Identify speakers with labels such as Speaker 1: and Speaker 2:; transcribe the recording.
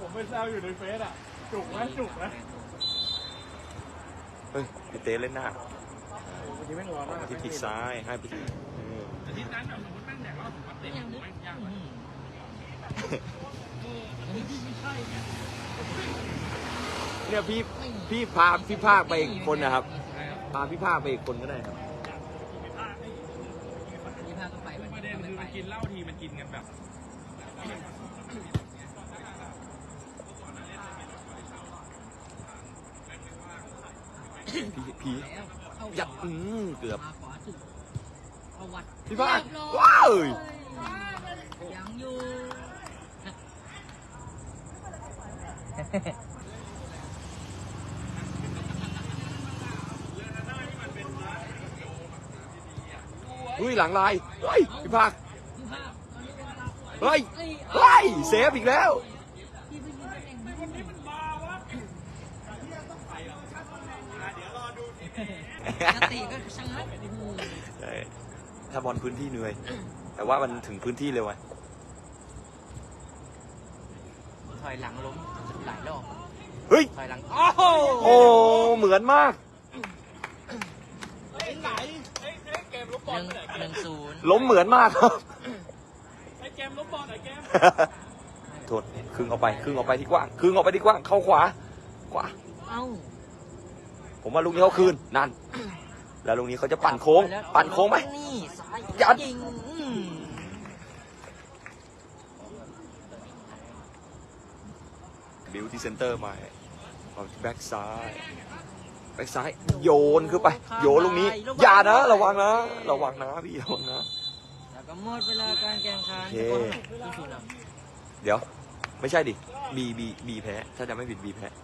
Speaker 1: ผมไปแซวอยู่ในเฟซอ่ะจุกไหม
Speaker 2: เฮ้ยพี่เต้เล่นหน้า
Speaker 1: วันนี้แม่งร้อนมาก
Speaker 2: ที่ทิศซ้ายให้ไปที่
Speaker 1: อาทิตย์นั้นแบบสมมติแม่งแดกแล้วผมมาเตะแม่งยากเลยอันนี้ที่ไม่ใช่เนี่ย
Speaker 2: เนี่ยพี่พาพี่ภาคไปอีกคนนะครับพาพี่ภาคไปอีกคนก็ได้ครับ
Speaker 3: ยี่ห้าก็ไป
Speaker 1: ประเด็นคือมันกินเหล้าทีมันกินกันแบบ
Speaker 2: พี่ยัดเกือบ
Speaker 3: มาขวาสุดเอาวัด
Speaker 2: พี่ภาคว้าว
Speaker 3: ยังอยู่
Speaker 2: อุ้ยหลังลายเฮ้ยพี่ภาค
Speaker 3: ยี่ห้า
Speaker 2: เฮ้ยเฮ้ยเซฟอีกแล้ว
Speaker 3: ที่ไปยิงเองไม่ได้มันกติก็ช่างมันโอ้โห
Speaker 2: ใช่ถ้าบอลพื้นที่เหนื่อย แต่ว่ามันถึงพื้นที่เร็วไง
Speaker 3: ถอยหลังล้มหลายรอบ
Speaker 2: เฮ้ย
Speaker 3: ถอยหลัง
Speaker 2: โอ้เหมือนมาก
Speaker 1: ไหนเกมลบบอลไหน
Speaker 3: 1-0
Speaker 2: ล้มเหมือนมากครับ
Speaker 1: ไอ้เกมลบบอลไหนเกม
Speaker 2: โทษครึ่งออกไปที่กว้างครึ่งออกไปที่กว้างเข้าขวา
Speaker 3: เอ้า
Speaker 2: ผมว่าลูกนี้เขาคืนนั่น แล้วลูกนี้เขาจะปั่นโค้งไหม
Speaker 3: นี่ซ้าย
Speaker 2: ยัด
Speaker 3: ยิง
Speaker 2: บิวที่เซนเตอร์มาเอาที่แบ็กซ้ายโยนขึ้นไปโยนลูกนี้อย่านะระวังนะพี่ระวังนะ
Speaker 3: แล้วก็หมดเวลาการแข่งขัน
Speaker 2: โอเค
Speaker 3: ที่สุดนะ
Speaker 2: เดี๋ยวไม่ใช่ดิบีแพ้ถ้าจะไม่ผิดบีแพ้